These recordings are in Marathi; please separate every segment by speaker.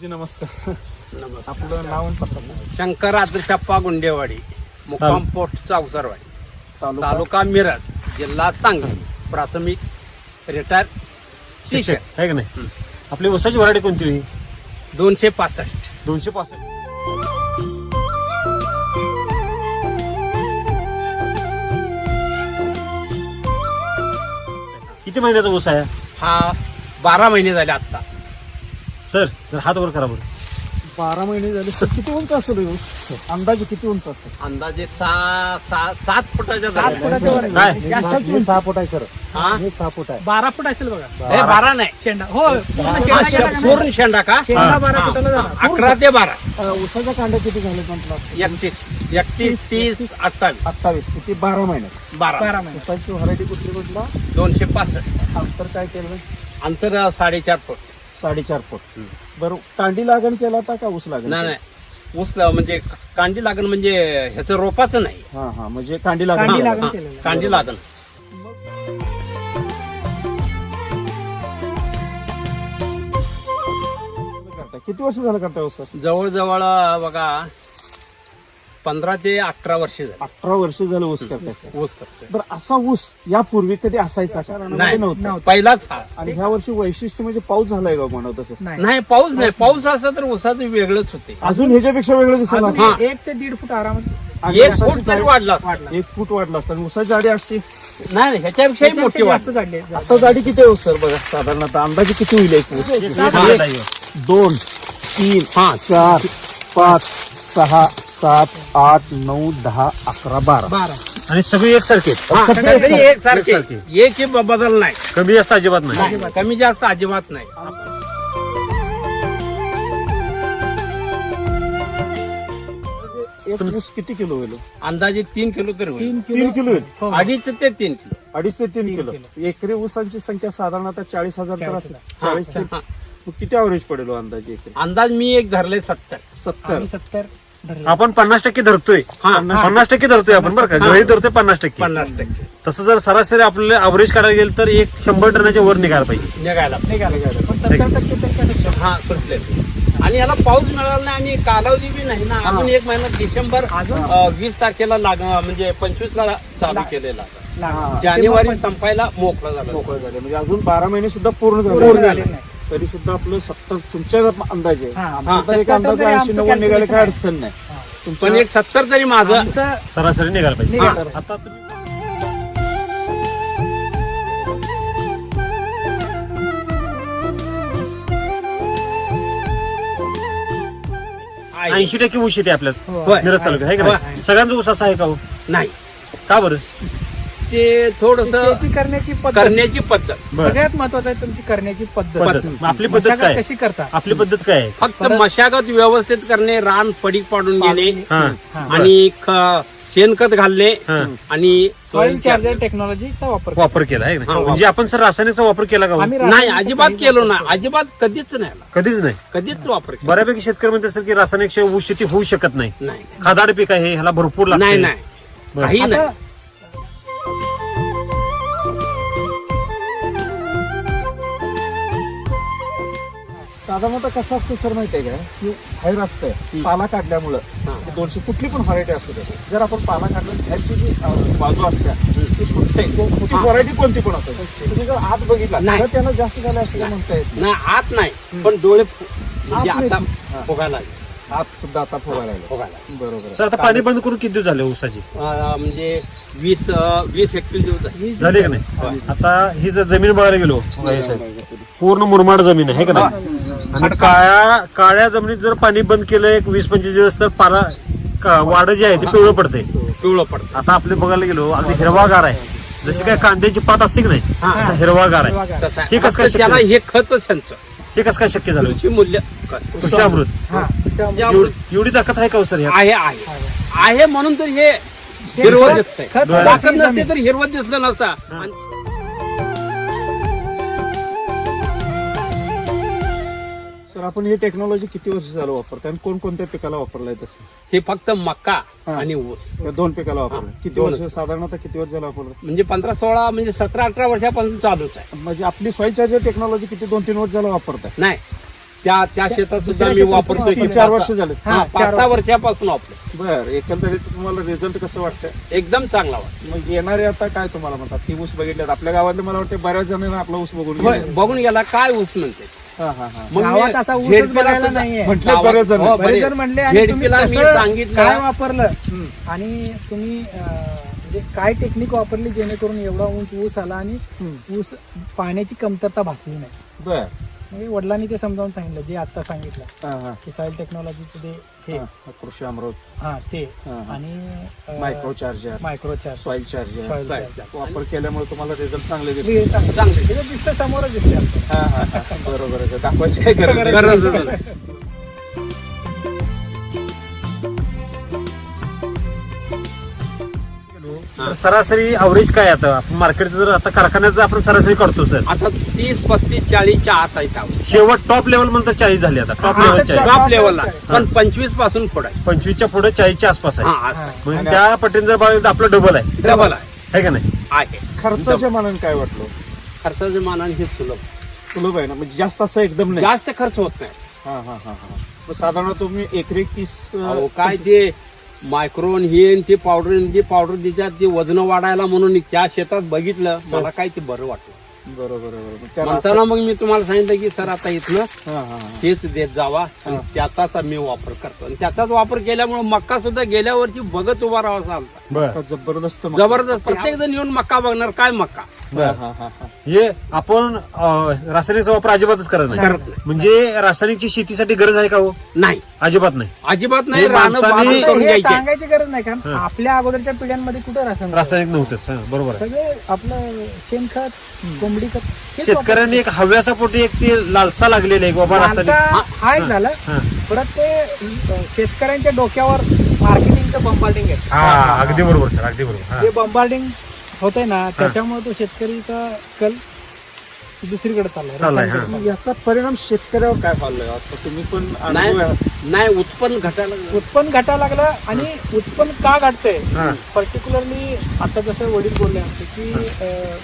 Speaker 1: नमस्कार.
Speaker 2: नमस्कार.
Speaker 1: आपलं नाव आणि पत्ता
Speaker 2: शंकर आदर्शप्पा गुंडेवाडी, मुक्काम पोस्ट चावसरवाडी, तालुका मिरज, जिल्हा सांगली. प्राथमिक रिटायर शिक्षक.
Speaker 3: आहे का नाही? आपली ऊसाची व्हरायटी कोणती?
Speaker 2: 265.
Speaker 3: 265. किती महिन्याचा ऊस आहे
Speaker 2: हा 12 महिने झाले आता.
Speaker 3: सर? जर हात वर करा बरं.
Speaker 1: 12 महिने झाले. तर किती उंच असेल ऊस? अंदाजे किती उंच असेल?
Speaker 2: अंदाजे 7 फुटाच्या
Speaker 1: 7 फुटाच्या वर आहे.
Speaker 3: काय?
Speaker 1: जास्तच उंच. 6 फूट आहे सर.
Speaker 2: हा?
Speaker 1: हे 6 फूट आहे.
Speaker 4: 12 फूट असेल बघा.
Speaker 2: हे 12 नाही,
Speaker 4: शेंडा हो
Speaker 2: पूर्ण शेंडा का?
Speaker 4: शेंडा 12 फुटाला
Speaker 2: हा,
Speaker 4: जाणार.
Speaker 2: 11 ते 12.
Speaker 1: ऊसाच्या कांड्या किती झाले म्हटलं?
Speaker 2: 31, 30, 28,
Speaker 1: 28. किती 12 महिन्यात.
Speaker 2: 12.
Speaker 4: 12 महिने.
Speaker 1: ऊसाची व्हरायटी कुठली कुठला?
Speaker 2: 265.
Speaker 1: अंतर काय केलं?
Speaker 2: अंतर 4.5 फूट.
Speaker 1: 4.5 फूट. बरं, कांडी लागण केला होता का ऊस लागण?
Speaker 2: नाही, ऊस म्हणजे कांडी लागण म्हणजे ह्याचं रोपाचं नाही.
Speaker 1: हा हा, म्हणजे कांडी लागण.
Speaker 4: कांडी
Speaker 2: हा,
Speaker 4: लागण
Speaker 2: हा,
Speaker 4: केलेलं.
Speaker 2: कांडी लागण.
Speaker 1: करताय. किती वर्ष झालं करताय ऊस?
Speaker 2: जवळजवळ बघा 15 ते 18 वर्ष झाली
Speaker 1: 18 वर्ष झालं ऊस करताय.
Speaker 2: ऊस करतोय.
Speaker 1: बरं, असा ऊस यापूर्वी कधी असायचा का?
Speaker 2: नाही,
Speaker 1: नव्हता.
Speaker 2: पहिलाच हा.
Speaker 1: आणि ह्या वर्षी वैशिष्ट्य म्हणजे पाऊस झालाय का म्हणत तसं?
Speaker 4: नाही.
Speaker 2: नाही, पाऊस नाही. पाऊस असं तर ऊसाचं वेगळंच होते.
Speaker 1: अजून ह्याच्यापेक्षा वेगळं दिसेल
Speaker 4: अजून
Speaker 1: आता.
Speaker 2: हा.
Speaker 4: 1 ते 1.5 फूट आरामात.
Speaker 1: आणि
Speaker 2: 1
Speaker 1: ऊसाची
Speaker 2: फूट तरी
Speaker 1: जाडी-
Speaker 2: वाढला असता.
Speaker 1: 1 फूट वाढला असता. आणि ऊसाची जाडी असते.
Speaker 2: नाही, ह्याच्यापेक्षाही मोठी
Speaker 4: जास्त
Speaker 2: वाढ.
Speaker 4: झाडली.
Speaker 1: आता जाडी किती आहे सर? बघा साधारणतः अंदाजे किती होईल एक ऊस? 1, 2, 3, 4, 5, 6, 7, 8, 9, 10, 11, 12.
Speaker 4: 12.
Speaker 3: आणि सगळी एकसारखी आहेत.
Speaker 2: हा, सगळी एकसारखे.
Speaker 3: एकसारखे.
Speaker 2: एक ही बदल नाही.
Speaker 3: कमी जास्त अजिबात नाही.
Speaker 2: नाही, कमी जास्त अजिबात नाही.
Speaker 1: एक ऊस किती किलो होईल?
Speaker 2: अंदाजे 3 किलो तरी होईल.
Speaker 1: 3 किलो होईल.
Speaker 4: हो.
Speaker 2: 2.5 ते 3 किलो.
Speaker 1: 2.5 ते 3 किलो.
Speaker 4: किलो.
Speaker 1: एकरी ऊसांची संख्या साधारणतः 40,000 तर असेल.
Speaker 2: 40,000.
Speaker 1: 40 ते
Speaker 2: हा.
Speaker 1: मग किती अवरेज पडेल हो अंदाजे एकरी?
Speaker 2: अंदाज मी एक धरले 70.
Speaker 1: 70.
Speaker 4: आम्ही 70 धरले.
Speaker 3: आपण 50% धरतोय.
Speaker 2: हा,
Speaker 3: 50% धरतोय आपण बरं का? गळी धरतोय 50%.
Speaker 2: 50%
Speaker 3: तसं जर सरासरी आपल्याला अवरेज काढायला गेलं तर एक 100 टनाच्या वर निघायला पाहिजे.
Speaker 2: निघायला.
Speaker 4: पण 70% तर त्यापेक्षा.
Speaker 2: हा, सुटले. आणि याला पाऊस मिळाला नाही आणि कालावधी बी नाही ना. अजून एक महिना डिसेंबर 20 तारखेला म्हणजे 25 ला चालू केलेला.
Speaker 1: हा.
Speaker 2: जानेवारी संपायला मोकळा झाला.
Speaker 1: मोकळं झाले म्हणजे अजून 12 महिने सुद्धा पूर्ण
Speaker 4: पूर्ण
Speaker 1: झाले
Speaker 4: झाले नाही.
Speaker 1: तरी सुद्धा आपलं 70 तुमच्या अंदाजे
Speaker 4: हा.
Speaker 1: आमचा एक
Speaker 4: 70
Speaker 1: अंदाजे
Speaker 4: तरी
Speaker 1: 80-90
Speaker 4: आमचं
Speaker 1: निघाले काय
Speaker 4: calculation
Speaker 1: अडचण नाही.
Speaker 4: हा.
Speaker 2: पण एक 70 तरी माझं
Speaker 4: आमचं
Speaker 3: सरासरी निघायला पाहिजे.
Speaker 4: निघायला
Speaker 3: आता तुम्ही
Speaker 2: आहे.
Speaker 3: 80% ऊस येते आपल्यात
Speaker 4: हो.
Speaker 2: होय.
Speaker 3: मिरज तालुक्यात आहे का नाही? सगळ्यांचा ऊस असा आहे का हो?
Speaker 2: नाही,
Speaker 3: का बरं?
Speaker 2: ते थोडस
Speaker 4: शेती करण्याची पद्धत
Speaker 2: करण्याची पद्धत.
Speaker 3: बरं.
Speaker 4: सगळ्यात महत्वाचं आहे तुमची करण्याची पद्धत.
Speaker 3: पद्धत. मग आपली पद्धत
Speaker 4: मशागत
Speaker 3: काय?
Speaker 4: कशी करता?
Speaker 3: आपली पद्धत काय आहे?
Speaker 2: फक्त मशागत व्यवस्थित करणे, रान पडीक पाडून घेणे
Speaker 3: हा.
Speaker 4: हा.
Speaker 2: आणि शेणखत घालणे
Speaker 3: हा.
Speaker 2: आणि
Speaker 4: सॉइल चार्जर टेक्नॉलॉजीचा वापर करता.
Speaker 3: वापर केला आहे का
Speaker 2: हा,
Speaker 3: नाही? म्हणजे आपण सर रासायनिकचा वापर केला का हो?
Speaker 4: आम्ही
Speaker 2: नाही,
Speaker 4: रासायनिकचा
Speaker 2: अजिबात
Speaker 4: काहीच
Speaker 2: केलो
Speaker 4: वापर
Speaker 2: ना.
Speaker 4: करत
Speaker 2: अजिबात कधीच नाही आला.
Speaker 3: कधीच नाही.
Speaker 2: कधीच वापर केला
Speaker 3: बऱ्यापैकी शेतकरी म्हणत असेल की रासायनिक शिवाय ऊस शेती होऊ शकत नाही.
Speaker 2: नाही.
Speaker 3: खादाड पीक आहे ह्याला भरपूर लागते.
Speaker 2: नाही, नाही,
Speaker 3: बरं.
Speaker 2: काही नाही.
Speaker 4: आता
Speaker 1: साधारणतः कसं असतं सर माहितीये का की बाहेर असतंय पाला काढल्यामुळं
Speaker 2: हा.
Speaker 1: 200 कुठली पण व्हरायटी असू दे, जर आपण पाला काढलं बाहेरची जी बाजू असते ती फुटते. मोठी व्हरायटी कोणती पण असते, तुम्ही जर आत बघितला
Speaker 2: नाही.
Speaker 1: तर त्याला जास्त झालं असं काय म्हणता येत
Speaker 2: नाही, आत नाही, पण डोळे म्हणजे
Speaker 1: आत
Speaker 2: आता
Speaker 1: नाही.
Speaker 2: फुगायला लागले.
Speaker 1: नाही. आत सुद्धा आता फुगायला लागलं.
Speaker 2: फुगायला.
Speaker 1: बरोबर
Speaker 3: तर आता पाणी बंद करून किती दिवस झाले ऊसाची?
Speaker 2: म्हणजे 20-21 दिवस झाले.
Speaker 3: झाले का नाही? आता ही जर जमीन बघायला गेलो पूर्ण मुरमाड जमीन आहे का नाही? आणि काळ्या जमिनीत जर पाणी बंद केलं एक 20-25 दिवस तर पाला वाढ जी आहे ती पिवळं पडते.
Speaker 2: पिवळं पडतं.
Speaker 3: आता आपले बघायला गेलो अगदी हिरवागार आहे. जशी काय कांद्याची पात असते की नाही
Speaker 2: हा.
Speaker 3: तसा हिरवागार आहे.
Speaker 2: तसं आहे.
Speaker 3: हे कसं काय
Speaker 2: फक्त त्याला
Speaker 3: शक्य?
Speaker 2: हे खतच त्यांचं
Speaker 3: हे कसं काय शक्य झालं?
Speaker 2: कृषी मूल्य
Speaker 3: कृषी अमृत
Speaker 4: हा.
Speaker 3: एवढी ताकद आहे का हो सर ह्यात?
Speaker 2: आहे म्हणून तर हे हिरवत दिसतंय.
Speaker 4: खत
Speaker 2: ताकद नसते तर हिरवत दिसलं नसता. आणि
Speaker 1: सर आपण ही टेक्नॉलॉजी किती वर्ष झालं वापरतो आणि कोणकोणत्या पिकाला वापरलाय तसं?
Speaker 2: हे फक्त मका
Speaker 1: हा.
Speaker 2: आणि ऊस
Speaker 1: या 2 पिकाला वापरलं.
Speaker 2: हा,
Speaker 1: किती
Speaker 2: दोनच.
Speaker 1: वर्ष साधारणतः किती वर्ष झालं वापरलं?
Speaker 2: म्हणजे 15-16 म्हणजे 17-18 वर्षापासून चालूच आहे.
Speaker 1: म्हणजे आपली सॉइल चार्जर टेक्नॉलॉजी किती 2-3 वर्ष झालं वापरताय?
Speaker 2: नाही, त्या शेतात सुद्धा
Speaker 4: दुसऱ्या
Speaker 2: मी
Speaker 4: शेतात
Speaker 2: वापरतोय
Speaker 4: पण
Speaker 1: 4 वर्ष झाले.
Speaker 4: हा,
Speaker 2: 5-6 वर्षापासून वापरतो.
Speaker 1: बर, एकंदरीत तुम्हाला रिझल्ट कसं वाटतं?
Speaker 2: एकदम चांगला वाटतो.
Speaker 1: मग येणारे आता काय तुम्हाला म्हणतात, ती ऊस बघितल्यात आपल्या गावातले, मला वाटतं बऱ्याच जणांना आपला ऊस बघून
Speaker 2: होय,
Speaker 1: गेले.
Speaker 2: बघून गेला काय ऊस म्हणते.
Speaker 1: हा, हा, हा.
Speaker 2: मग
Speaker 4: गावात
Speaker 2: मी
Speaker 4: असा ऊसच
Speaker 2: झेडपीला
Speaker 4: बघायला
Speaker 2: सुद्धा
Speaker 4: नाहीये.
Speaker 1: म्हटले
Speaker 2: गावात-
Speaker 1: बरेच जण.
Speaker 2: हो,
Speaker 4: बरेच जण म्हणले आणि तुम्ही
Speaker 2: झेडपीला मी
Speaker 4: कसं
Speaker 2: सांगितलं
Speaker 4: काय वापरलं आणि तुम्ही म्हणजे काय टेक्निक वापरली जेणेकरून एवढा उंच ऊस आला आणि ऊस पाण्याची कमतरता भासली नाही.
Speaker 1: बर.
Speaker 4: म्हणजे वडिलांनी ते समजावून सांगितलं जे आता सांगितलं
Speaker 1: हा, हा.
Speaker 4: की सॉइल टेक्नॉलॉजीचं ते हे
Speaker 1: हा, कृषी अमृत,
Speaker 4: हा ते
Speaker 1: हा, हा.
Speaker 4: आणि
Speaker 1: micro charger,
Speaker 4: micro charge
Speaker 1: soil charger
Speaker 4: Soil
Speaker 1: वापर केल्यामुळे तुम्हाला रिझल्ट चांगले दिसले.
Speaker 4: चांगले दिसतं, समोरच दिसते आपल्याला.
Speaker 1: हा, हा, हा. बरोबर आहे. दाखवायची काय गरज नाही.
Speaker 2: गरजच नाही.
Speaker 3: तर सरासरी अवरेज काय आता आपण मार्केटचं जर आता कारखान्याचं आपण सरासरी काढतो सर,
Speaker 2: आता 30-35-40च्या आत आहे त्यावर.
Speaker 3: शेवट टॉप लेवल म्हणतात 40 झाली आता, टॉप
Speaker 4: हा,
Speaker 3: लेवल
Speaker 4: आता
Speaker 3: 40,
Speaker 2: टॉप लेवलला पण 25 पासून पुढे आहे.
Speaker 3: 25च्या पुढे 40च्या आसपास आहे.
Speaker 2: हा,
Speaker 4: हा.
Speaker 3: म्हणजे त्या पटीने जर बघितलं तर आपलं डबल आहे,
Speaker 2: डबल आहे.
Speaker 3: है का नाही?
Speaker 2: आहे
Speaker 1: खर्चाच्या मानाने काय वाटलं?
Speaker 2: खर्चाच्या मानाने हे सुलभ,
Speaker 1: सुलभ आहे ना, म्हणजे जास्त असं एकदम नाही.
Speaker 2: जास्त खर्च होत नाही.
Speaker 1: हा, हा, हा, हा. मग साधारण तुम्ही एकरी 30
Speaker 2: अहो, काय ते मायक्रोन हे आणि ते पावडर देतात ते वजन वाढायला म्हणून त्या शेतात बघितलं, मला काय ते बरं वाटलं.
Speaker 1: बरोबर आहे, बरोबर. त्याला
Speaker 2: म्हणताना मग मी तुम्हाला सांगितलं की सर आता इथनं
Speaker 1: हा, हा, हा.
Speaker 2: तेच देत जावा आणि त्याचाच मी वापर करतो आणि त्याचाच वापर केल्यामुळे मक्का सुद्धा गेल्या वर्षी बघत उभा राहावा चालता.
Speaker 3: बर.
Speaker 1: आता जबरदस्त मग.
Speaker 2: जबरदस्त प्रत्येक जण येऊन मक्का बघणार, काय मक्का
Speaker 1: हा, हा, हा, हा.
Speaker 3: हे आपण रासायनिकचा वापर अजिबातच करत नाही.
Speaker 2: करत नाही.
Speaker 3: म्हणजे रासायनिकची शेतीसाठी गरज आहे का हो?
Speaker 2: नाही,
Speaker 3: अजिबात नाही.
Speaker 2: अजिबात नाही.
Speaker 3: हे
Speaker 2: रानं
Speaker 3: माणसाने-
Speaker 2: बाजूला करून
Speaker 4: हे
Speaker 2: घ्यायचे.
Speaker 4: सांगायची गरज नाही, कारण आपल्या अगोदरच्या पिढ्यांमध्ये कुठं
Speaker 3: रासायनिक नव्हतंच. हा, बरोबर आहे.
Speaker 4: सगळे आपलं शेणखत, कोंबडी खत हेच
Speaker 3: शेतकऱ्यांनी एक हव्यासा पोटी एक ती लालसा लागलेली आहे की बाबा
Speaker 4: माणसा
Speaker 3: रासायनिक.
Speaker 4: हा एक झालं.
Speaker 3: हा.
Speaker 4: परत ते शेतकऱ्यांच्या डोक्यावर मार्केटिंगचं बंबार्डिंग आहे.
Speaker 3: हा, अगदी बरोबर सर, अगदी बरोबर. हा.
Speaker 4: जे बंबार्डिंग होतंय ना, त्याच्यामुळे तो शेतकरीचा कल दुसरीकडे चाललाय.
Speaker 3: चाललाय,
Speaker 4: रसायन
Speaker 3: हा.
Speaker 1: मग याचा परिणाम शेतकऱ्यावर काय पाहिलं? आता तुम्ही पण
Speaker 2: नाही
Speaker 1: अनुभवी आहात.
Speaker 2: नाही, उत्पन्न घटायला लागलं.
Speaker 4: उत्पन्न घटायला लागलं आणि उत्पन्न का घटतंय
Speaker 3: हा.
Speaker 4: पर्टिक्युलरली आता जसं वडील बोलले आमचे की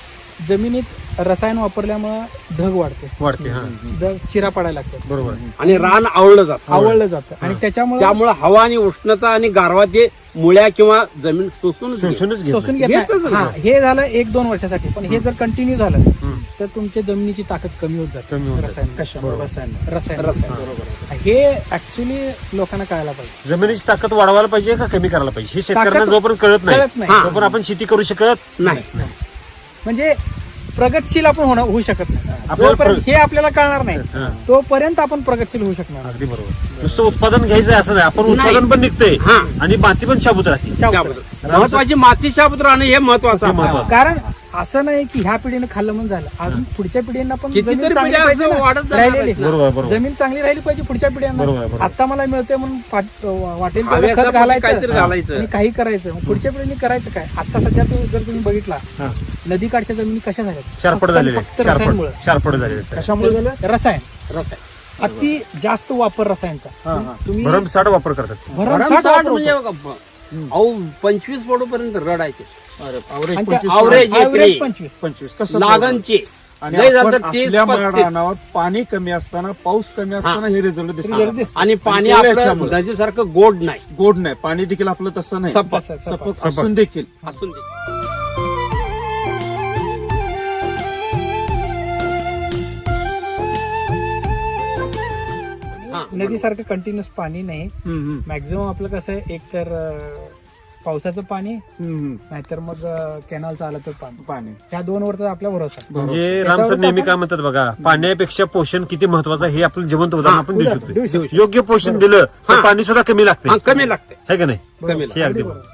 Speaker 4: जमिनीत रसायन वापरल्यामुळे ढग
Speaker 3: वाढते. हा,
Speaker 4: ढग चिरा पडायला लागतात,
Speaker 3: बरोबर आहे.
Speaker 2: आणि रान आवळलं जातं.
Speaker 4: आवळलं जातं आणि त्याच्यामुळे
Speaker 2: त्यामुळे हवा आणि उष्णता आणि गारवा ते मुळ्या किंवा जमीन शोषून
Speaker 3: शोषूनच घेत
Speaker 4: शोषून
Speaker 3: नाही.
Speaker 4: घेत
Speaker 2: घेतच
Speaker 4: नाही.
Speaker 2: नाही.
Speaker 4: हा, हे झालं 1-2 वर्षासाठी, पण हे जर कंटिन्यू झालं तर तुमच्या जमिनीची ताकद कमी होत जाते.
Speaker 3: कमी होत जाते.
Speaker 4: रसायन
Speaker 1: कशामुळे?
Speaker 4: रसायन
Speaker 1: बरोबर आहे.
Speaker 4: हे ऍक्च्युली लोकांना कळायला पाहिजे.
Speaker 3: जमिनीची ताकद वाढवायला पाहिजे का कमी करायला पाहिजे हे शेतकऱ्यांना
Speaker 4: ताकद
Speaker 3: जोपर्यंत कळत
Speaker 4: कळत
Speaker 3: नाही
Speaker 4: नाही.
Speaker 3: तोपर्यंत आपण शेती करू शकत
Speaker 2: नाही.
Speaker 4: म्हणजे प्रगतशील आपण होऊ शकत नाही.
Speaker 3: आपल्याला
Speaker 4: जोपर्यंत हे आपल्याला कळणार नाही
Speaker 3: हा.
Speaker 4: तोपर्यंत आपण प्रगतशील होऊ शकणार नाही.
Speaker 3: अगदी बरोबर. नुसतं उत्पादन घ्यायचं आहे असं नाही, आपण उत्पादन पण निघतंय
Speaker 2: हा.
Speaker 3: आणि माती पण शाबूत राहते.
Speaker 2: शाबूत. महत्वाची माती शाबूत राहणं हे महत्वाचं
Speaker 3: हे
Speaker 2: आहे.
Speaker 3: महत्वाचं.
Speaker 4: कारण असं नाही की ह्या पिढीने खाल्लं म्हणून झालं, अजून पुढच्या पिढींना पण
Speaker 2: कितीतरी
Speaker 4: जमीन चांगली
Speaker 2: पिढ्या
Speaker 4: पाहिजे
Speaker 2: असं
Speaker 4: ना,
Speaker 2: वाढत जाणार
Speaker 4: राहिलेली.
Speaker 2: आहेत ना.
Speaker 3: बरोबर बरोबर.
Speaker 4: जमीन चांगली राहिली पाहिजे पुढच्या पिढ्यांना.
Speaker 3: बरोबर, बरोबर.
Speaker 4: आता मला मिळते म्हणून वाटेल तेवढं
Speaker 2: हव्यासा
Speaker 4: खत
Speaker 2: पोटी
Speaker 4: घालायचं
Speaker 2: काहीतरी घालायचं.
Speaker 4: आणि काही करायचं. मग पुढच्या पिढीने करायचं काय? आता सध्या जर तुम्ही बघितला
Speaker 3: हा.
Speaker 4: नदीकाठच्या जमिनी कशा झाल्या?
Speaker 3: शारपड झालेले
Speaker 4: फक्त रसायनमुळे.
Speaker 3: शारपड झालेले आहेत.
Speaker 1: कशामुळे झालं?
Speaker 4: रसायन
Speaker 2: रसायन.
Speaker 4: अति जास्त वापर रसायनचा.
Speaker 1: हा, हा.
Speaker 4: तुम्ही
Speaker 3: भरमसाठ वापर करतात.
Speaker 4: भरमसाठ
Speaker 2: भरमसाठ
Speaker 4: वापर
Speaker 2: म्हणजे
Speaker 4: होतो.
Speaker 2: बघा, अहो 25 पडूपर्यंत रडायचे.
Speaker 1: अरे, average
Speaker 4: आणि त्या
Speaker 1: 25
Speaker 2: average
Speaker 4: average
Speaker 2: एकरी.
Speaker 4: 25.
Speaker 1: कसं
Speaker 2: लागणचे
Speaker 1: आणि
Speaker 2: लय झालं
Speaker 1: आपण
Speaker 2: तर 30,
Speaker 1: असल्या
Speaker 2: 35.
Speaker 1: रानावर पाणी कमी असताना, पाऊस कमी असताना हे रिझल्ट
Speaker 4: Result
Speaker 1: दिसतात.
Speaker 4: दिसतात.
Speaker 2: आणि पाणी
Speaker 1: आणि
Speaker 2: आपलं
Speaker 1: त्याच्यामुळे.
Speaker 2: नदीसारखं गोड नाही.
Speaker 1: गोड नाही, पाणी देखील आपलं तसं नाही.
Speaker 2: सपक.
Speaker 1: सपक असून देखील
Speaker 2: असून दे. हा,
Speaker 4: नदीसारखं कंटिन्युअस पाणी नाही. मॅक्झिमम आपलं कसं आहे, एक तर पावसाचं पाणी, नाहीतर मग कॅनॉलचं आलं तर पाणी.
Speaker 1: पाणी
Speaker 4: ह्या 2 वर तर आपला भरोसा आहे.
Speaker 3: म्हणजे
Speaker 4: त्याच्यावरच
Speaker 3: राम सर नेहमी
Speaker 4: आपण-
Speaker 3: काय म्हणतात बघा, पाण्यापेक्षा पोषण किती महत्वाचं आहे हे आपलं जिवंत उदाहरण आपण देऊ
Speaker 4: देऊ
Speaker 3: शकतो.
Speaker 4: शकतो.
Speaker 3: योग्य पोषण दिलं तर
Speaker 2: हा.
Speaker 3: पाणी सुद्धा कमी लागते,
Speaker 2: हा, कमी लागते.
Speaker 3: है का नाही?
Speaker 2: कमी
Speaker 3: हे
Speaker 2: लागते.
Speaker 3: अगदी
Speaker 4: बरोबर.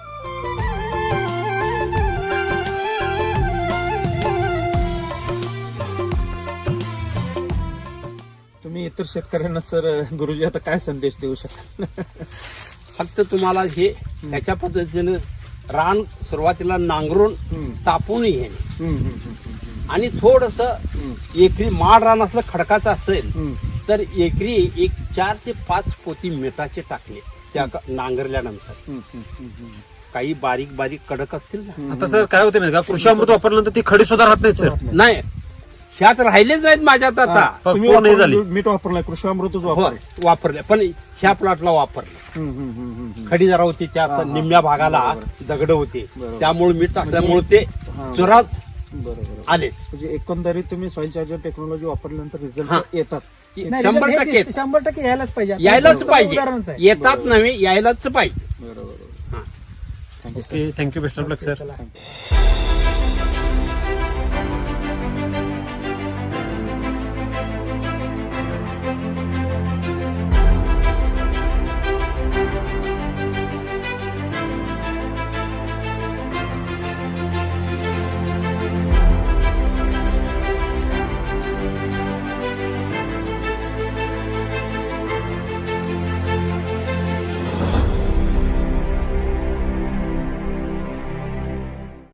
Speaker 1: तुम्ही इतर शेतकऱ्यांना सर, गुरुजी आता काय संदेश देऊ शकता?
Speaker 2: फक्त तुम्हाला हे त्याच्या पद्धतीने रान सुरुवातीला नांगरून तापून घेणे आणि थोडस एकरी माड रान असलं खडकाचं असेल तर एकरी 4 ते 5 पोती मिठाचे टाकले त्या नांगरल्यानंतर. काही बारीक बारीक कडक असतील ना,
Speaker 3: आता सर काय होते माहिती का, कृषी अमृत वापरल्यानंतर ती खडी सुद्धा राहत नाही सर.
Speaker 2: नाही ह्यात राहिलेच नाहीत माझ्यात आता
Speaker 1: तुम्ही
Speaker 3: पूर्ण हे झाली
Speaker 1: मीठ वापरलाय कृषी अमृतच
Speaker 2: हो
Speaker 1: वापरलाय
Speaker 2: वापरले पण ह्या प्लॉटला वापरले खडी जरा होती त्या निम्म्या भागाला दगड होते
Speaker 1: बरोबर.
Speaker 2: त्यामुळे मीठ टाकल्यामुळे ते चुराच
Speaker 1: बरोबर
Speaker 2: आलेच
Speaker 1: म्हणजे एकंदरीत तुम्ही सॉइल चार्जर टेक्नॉलॉजी वापरल्यानंतर
Speaker 2: हा.
Speaker 1: रिझल्ट येतात
Speaker 4: नाही,
Speaker 2: 100%
Speaker 4: हे 100% यायलाच पाहिजे आता
Speaker 2: यायलाच
Speaker 4: समोर
Speaker 2: पाहिजे
Speaker 4: उदाहरणच आहे.
Speaker 2: येतात नव्हे यायलाच पाहिजे
Speaker 1: बरोबर
Speaker 2: हा.
Speaker 1: Thank you
Speaker 3: thank you best of luck sir
Speaker 4: चला.